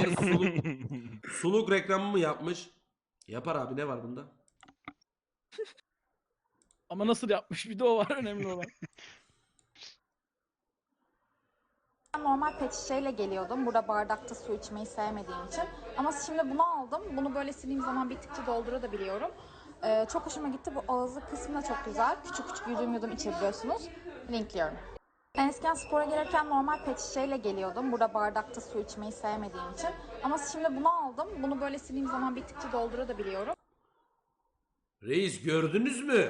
suluk reklamı mı yapmış? Yapar abi, ne var bunda? Ama nasıl yapmış, bir de o var önemli olan. Ben normal pet şişeyle geliyordum. Burada bardakta su içmeyi sevmediğim için. Ama şimdi bunu aldım. Bunu böyle sildiğim zaman bittikçe doldurabiliyorum. Çok hoşuma gitti. Bu ağzı kısmı da çok güzel. Küçük küçük yudum içebiliyorsunuz. Linkliyorum. Ben eskiden spora gelirken normal pet şişeyle geliyordum. Burada bardakta su içmeyi sevmediğim için. Ama şimdi bunu aldım. Bunu böyle sildiğim zaman bittikçe doldurabiliyorum. Reis, gördünüz mü?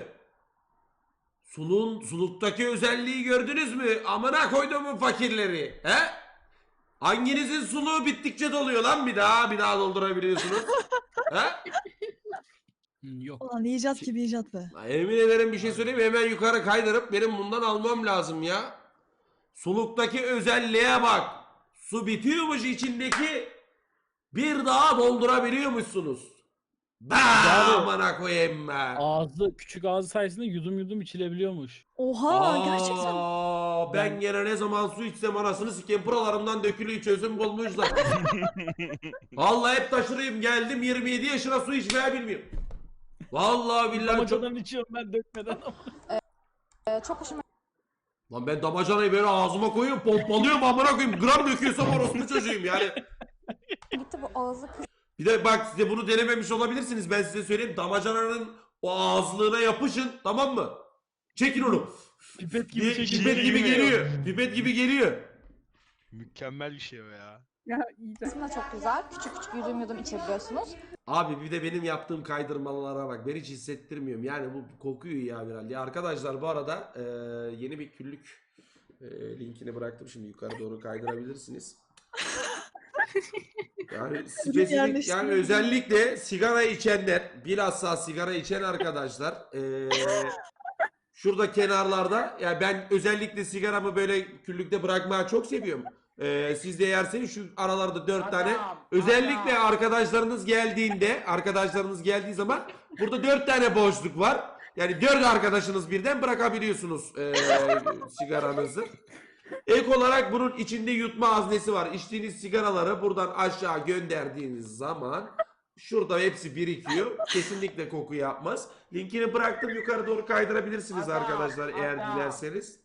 Suluktaki özelliği gördünüz mü? Amına koyduğumun fakirleri. He? Hanginizin suluğu bittikçe doluyor lan bir daha doldurabiliyorsunuz? He? Yok. Ulan icat gibi icat be. Emin ederim, bir şey söyleyeyim mi? Hemen yukarı kaydırıp benim bundan almam lazım ya. Suluktaki özelliğe bak. Su bitiyormuş içindeki, bir daha doldurabiliyormuşsunuz. Amına koyayım be. Küçük ağzı sayesinde yudum içilebiliyormuş. Oha gerçekten. Ben gene ne zaman su içsem anasını sikeyim, buralarımdan dökülüyor, çözüm bulmuş zaten. Vallahi hep taşırayım, geldim 27 yaşına su içmeye bilmiyorum. Vallahi billahi çok... Damacadan içiyorum ben dökmeden ama. Çok hoşuma Lan ben damacanayı böyle ağzıma koyuyorum, pompalıyorum amına koyayım, gram döküyorsam orospu çocuğuyum yani. gitti. Bu ağzı kısmı Bir de bak, size bunu denememiş olabilirsiniz, ben size söyleyeyim, damacananın o ağızlığına yapışın, tamam mı? Çekin onu. Pipet gibi Pipet çekiyor. gibi geliyor. Pipet gibi geliyor. Mükemmel bir şey o ya. Ya iyice. kısmı da çok güzel. Küçük küçük yudum içebiliyorsunuz. Abi bir de benim yaptığım kaydırmalara bak. Ben hiç hissettirmiyorum. Yani bu kokuyor ya biraz. Ya arkadaşlar, bu arada yeni bir küllük linkini bıraktım. Şimdi yukarı doğru kaydırabilirsiniz. Yani spesifik, yani özellikle sigara içenler, bilhassa sigara içen arkadaşlar, şurada kenarlarda, yani ben özellikle sigaramı böyle küllükte bırakmayı çok seviyorum. Siz de yerseniz şu aralarda 4 tane, özellikle arkadaşlarınız geldiği zaman burada 4 tane boşluk var. Yani 4 arkadaşınız birden bırakabiliyorsunuz sigaranızı. Ek olarak bunun içinde yutma haznesi var. İçtiğiniz sigaraları buradan aşağı gönderdiğiniz zaman şurada hepsi birikiyor. Kesinlikle koku yapmaz. Linkini bıraktım, yukarı doğru kaydırabilirsiniz arkadaşlar eğer dilerseniz.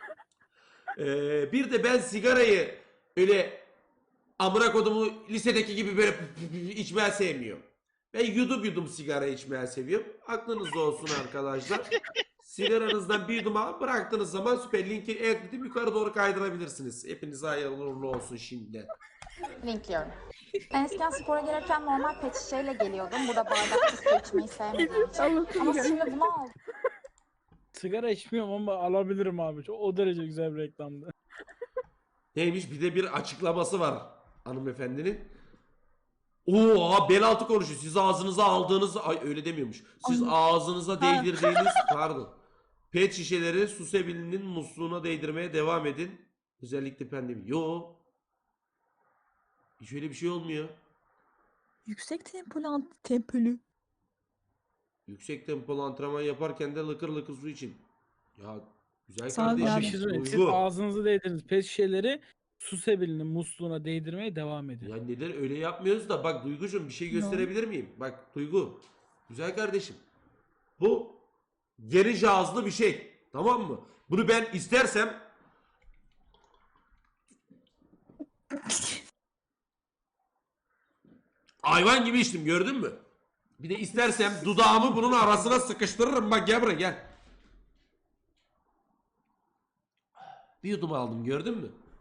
Bir de ben sigarayı öyle amına kodumu lisedeki gibi böyle içmeye sevmiyorum. Ben yudum sigara içmeye seviyorum. Aklınızda olsun arkadaşlar. Sigaranızdan bir yudum alıp bıraktığınız zaman süper, linki ekledim, yukarı doğru kaydırabilirsiniz. Hepinize hayırlı uğurlu olsun şimdi. Linkliyorum. Ben eskiden spora gelirken normal pet şişeyle geliyordum. Burada bardakta su içmeyi sevmediğim için. Ama şimdi bunu aldım. Sigara içmiyorum ama alabilirim abi. O derece güzel bir reklamdı. Neymiş, bir de bir açıklaması var hanımefendinin. Oo, bel altı konuşuyor. Siz ağzınıza aldığınız, ay öyle demiyormuş. Siz ağzınıza değdirdiğiniz, pardon. Pet şişeleri su sebilinin musluğuna değdirmeye devam edin. Özellikle pandemi. Yo. Hiç öyle bir şey olmuyor. Yüksek tempolu. Yüksek tempolu antrenman yaparken de lıkır lıkır su için. Ya güzel Sağ ol kardeşim. abi. Bir şey söyleyeyim. Siz Duygu. ağzınızı değdirdiniz. Pet şişeleri su sebilinin musluğuna değdirmeye devam edin. Ya neden öyle yapmıyoruz da, bak Duygucuğum, bir şey gösterebilir miyim? Bak Duygu. Güzel kardeşim. Bu geniş ağızlı bir şey. Tamam mı? Bunu ben istersem hayvan gibi içtim, gördün mü? Bir de istersem dudağımı bunun arasına sıkıştırırım. Bak gel buraya, gel. Bir yudum aldım, gördün mü?